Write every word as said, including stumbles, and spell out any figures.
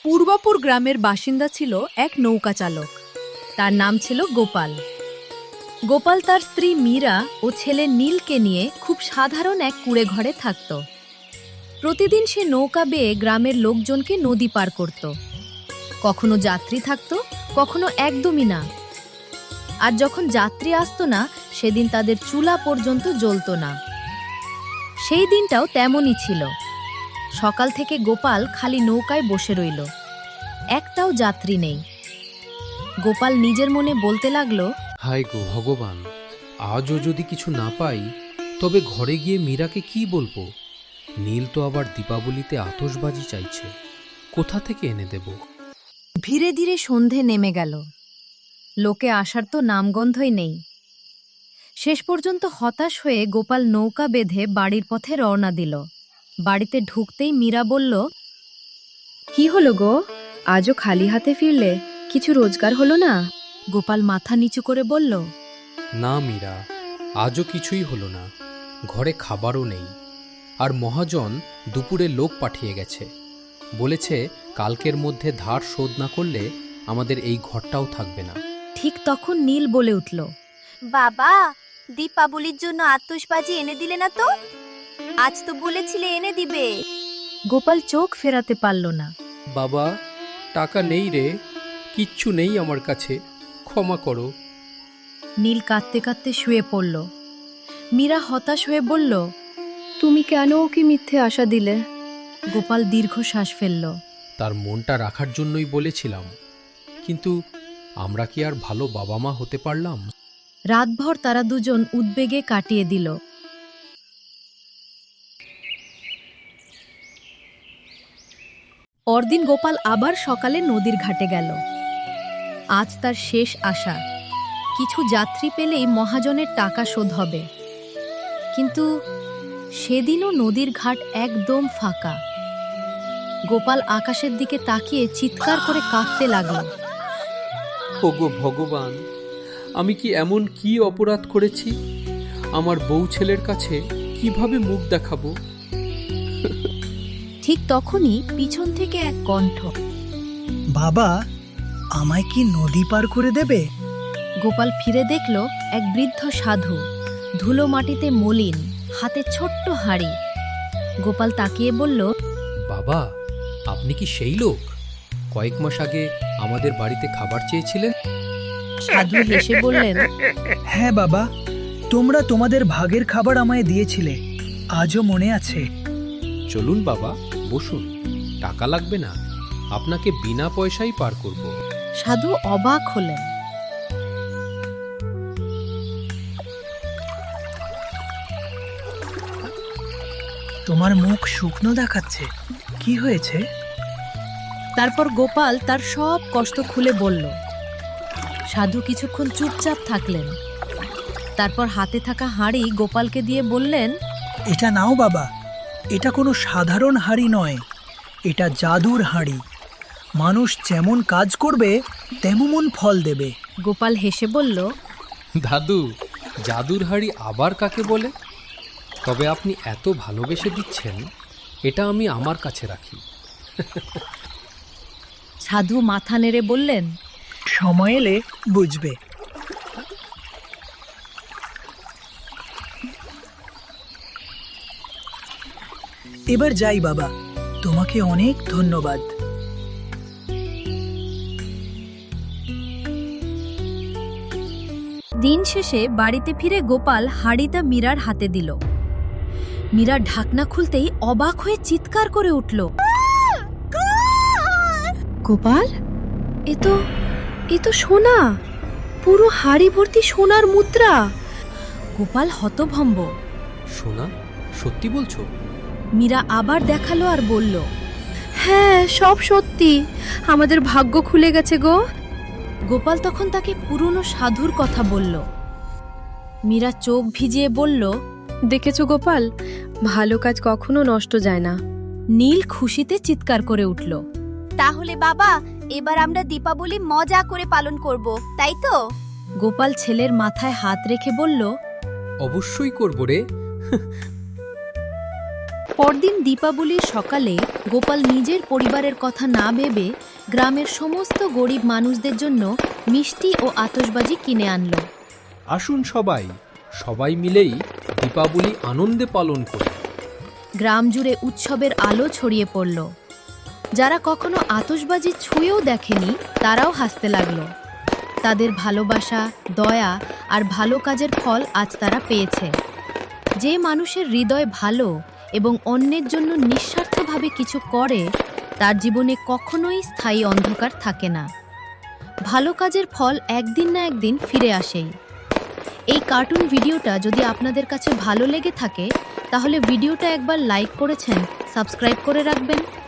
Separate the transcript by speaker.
Speaker 1: পূর্বপুর গ্রামের বাসিন্দা ছিল এক নৌকা চালক। তার নাম ছিল গোপাল। গোপাল তার স্ত্রী মীরা ও ছেলে নীলকে নিয়ে খুব সাধারণ এক কুঁড়ে ঘরে থাকত। প্রতিদিন সে নৌকা বেয়ে গ্রামের লোকজনকে নদী পার করত। কখনো যাত্রী থাকত, কখনো একদমই না। আর যখন যাত্রী আসতো না, সেদিন তাদের চুলা পর্যন্ত জ্বলত না। সেই দিনটাও তেমনই ছিল। সকাল থেকে গোপাল খালি নৌকায় বসে রইল, একটাও যাত্রী নেই। গোপাল নিজের মনে বলতে লাগলো,
Speaker 2: হায় গো ভগবান, আজও যদি কিছু না পাই তবে ঘরে গিয়ে মীরাকে কি বলবো? নীল তো আবার দীপাবলিতে আতশবাজি চাইছে, কোথা থেকে এনে দেব?
Speaker 1: ধীরে ধীরে সন্ধে নেমে গেল। লোকে আসার তো নামগন্ধই নেই। শেষ পর্যন্ত হতাশ হয়ে গোপাল নৌকা বেঁধে বাড়ির পথে রওনা দিল। বাড়িতে ঢুকতেই মীরা বলল,
Speaker 3: কি হলো গো, আজও খালি হাতে ফিরলে? কিছু রোজগার হলো না?
Speaker 1: গোপাল মাথা নিচু করে বলল,
Speaker 2: না মীরা, আজও কিছুই হলো না। ঘরে খাবারও নেই। আর মহাজন দুপুরে লোক পাঠিয়ে গেছে, বলেছে কালকের মধ্যে ধার শোধ না করলে আমাদের এই ঘরটাও থাকবে না।
Speaker 1: ঠিক তখন নীল বলে উঠল,
Speaker 4: বাবা, দীপাবলির জন্য আতশবাজি এনে দিলে না তো? আজ তো বলেছিলে এনে দিবে।
Speaker 1: গোপাল চোখ ফেরাতে পারল না।
Speaker 2: বাবা, টাকা নেই রে, কিচ্ছু নেই আমার কাছে, ক্ষমা করো।
Speaker 1: নীল কাঁদতে কাঁদতে শুয়ে পড়ল। মীরা হতাশ হয়ে বলল,
Speaker 3: তুমি কেন ওকে মিথ্যে আশা দিলে?
Speaker 1: গোপাল দীর্ঘশ্বাস ফেলল।
Speaker 2: তার মনটা রাখার জন্যই বলেছিলাম, কিন্তু আমরা কি আর ভালো বাবা মা হতে পারলাম?
Speaker 1: রাতভর তারা দুজন উদ্বেগে কাটিয়ে দিল। পরদিন গোপাল আবার সকালে নদীর ঘাটে গেল। আজ তার শেষ আশা, কিছু যাত্রী পেলেই মহাজনের টাকা শোধ হবে। কিন্তু সেদিনও নদীর ঘাট একদম ফাঁকা। গোপাল আকাশের দিকে তাকিয়ে চিৎকার করে কাঁদতে লাগল।
Speaker 2: ওগো ভগবান, আমি কি এমন কি অপরাধ করেছি? আমার বউ ছেলের কাছে কিভাবে মুখ দেখাবো?
Speaker 1: ঠিক তখনই পিছন থেকে এক কণ্ঠ,
Speaker 5: বাবা, আমায় কি নদী পার করে দেবে?
Speaker 1: গোপাল ফিরে দেখল এক বৃদ্ধ সাধু, ধুলো মাটিতে মলিন, হাতে ছোট্ট হাঁড়ি। গোপাল তাকিয়ে বলল,
Speaker 2: বাবা, আপনি কি সেই লোক কয়েক মাস আগে আমাদের বাড়িতে খাবার চেয়েছিলেন?
Speaker 1: সাধু হেসে বললেন,
Speaker 5: হ্যাঁ বাবা, তোমরা তোমাদের ভাগের খাবার আমায় দিয়েছিলে, আজও মনে আছে।
Speaker 2: চলুন বাবা, বসুন, টাকা লাগবে না, আপনাকে বিনা পয়সায় পার করব।
Speaker 1: সাধু অবাক হলেন।
Speaker 5: তোমার মুখ শুকনো দেখাচ্ছে, কি হয়েছে?
Speaker 1: তারপর গোপাল তার সব কষ্ট খুলে বলল। সাধু কিছুক্ষণ চুপচাপ থাকলেন। তারপর হাতে থাকা হাঁড়ি গোপালকে দিয়ে বললেন,
Speaker 5: এটা নাও বাবা, এটা কোনো সাধারণ হাঁড়ি নয়, এটা জাদুর হাঁড়ি। মানুষ যেমন কাজ করবে তেমন ফল দেবে।
Speaker 1: গোপাল হেসে বলল,
Speaker 2: দাদু, জাদুর হাড়ি আবার কাকে বলে? তবে আপনি এত ভালোবেসে দিচ্ছেন, এটা আমি আমার কাছে রাখি।
Speaker 1: সাধু মাথা নেড়ে বললেন,
Speaker 5: সময় এলে বুঝবে। এবার যাই বাবা, তোমাকে অনেক ধন্যবাদ।
Speaker 1: দিন শেষে বাড়িতে ফিরে গোপাল হাঁড়িটা মীরার হাতে দিল। মীরা ঢাকনা খুলতেই অবাক হয়ে চিৎকার করে উঠল,
Speaker 3: গোপাল, এ তো এ তো সোনা, পুরো হাড়ি ভর্তি সোনার মুদ্রা।
Speaker 1: গোপাল হতভম্ব।
Speaker 2: সোনা? সত্যি বলছো?
Speaker 1: মীরা আবার দেখালো আর বলল,
Speaker 3: হ্যাঁ, সব সত্যি, আমাদের ভাগ্য খুলে গেছে গো।
Speaker 1: গোপাল তখন তাকে পুরনো সাধুর কথা বলল। মীরা চোখ ভিজিয়ে বলল,
Speaker 3: দেখেছো গোপাল, ভালো কাজ কখনো নষ্ট যায় না।
Speaker 1: নীল খুশিতে চিৎকার করে উঠল।
Speaker 4: তাহলে বাবা, এবার আমরা দীপাবলি মজা করে পালন করব, তাই তো?
Speaker 1: গোপাল ছেলের মাথায় হাত রেখে বলল,
Speaker 2: অবশ্যই করব রে।
Speaker 1: পরদিন দীপাবলির সকালে গোপাল নিজের পরিবারের কথা না ভেবে গ্রামের সমস্ত গরিব মানুষদের জন্য মিষ্টি ও আতশবাজি কিনে আনলো।
Speaker 2: আসুন সবাই সবাই মিলেই দীপাবলি আনন্দে পালন করি।
Speaker 1: গ্রাম জুড়ে উৎসবের আলো ছড়িয়ে পড়ল। যারা কখনো আতশবাজি ছুঁয়েও দেখেনি তারাও হাসতে লাগলো। তাদের ভালোবাসা, দয়া আর ভালো কাজের ফল আজ তারা পেয়েছে। যে মানুষের হৃদয় ভালো এবং অন্যের জন্য নিঃস্বার্থভাবে কিছু করে, তার জীবনে কখনোই স্থায়ী অন্ধকার থাকে না। ভালো কাজের ফল একদিন না একদিন ফিরে আসেই। এই কার্টুন ভিডিওটা যদি আপনাদের কাছে ভালো লেগে থাকে তাহলে ভিডিওটা একবার লাইক করেছেন, সাবস্ক্রাইব করে রাখবেন।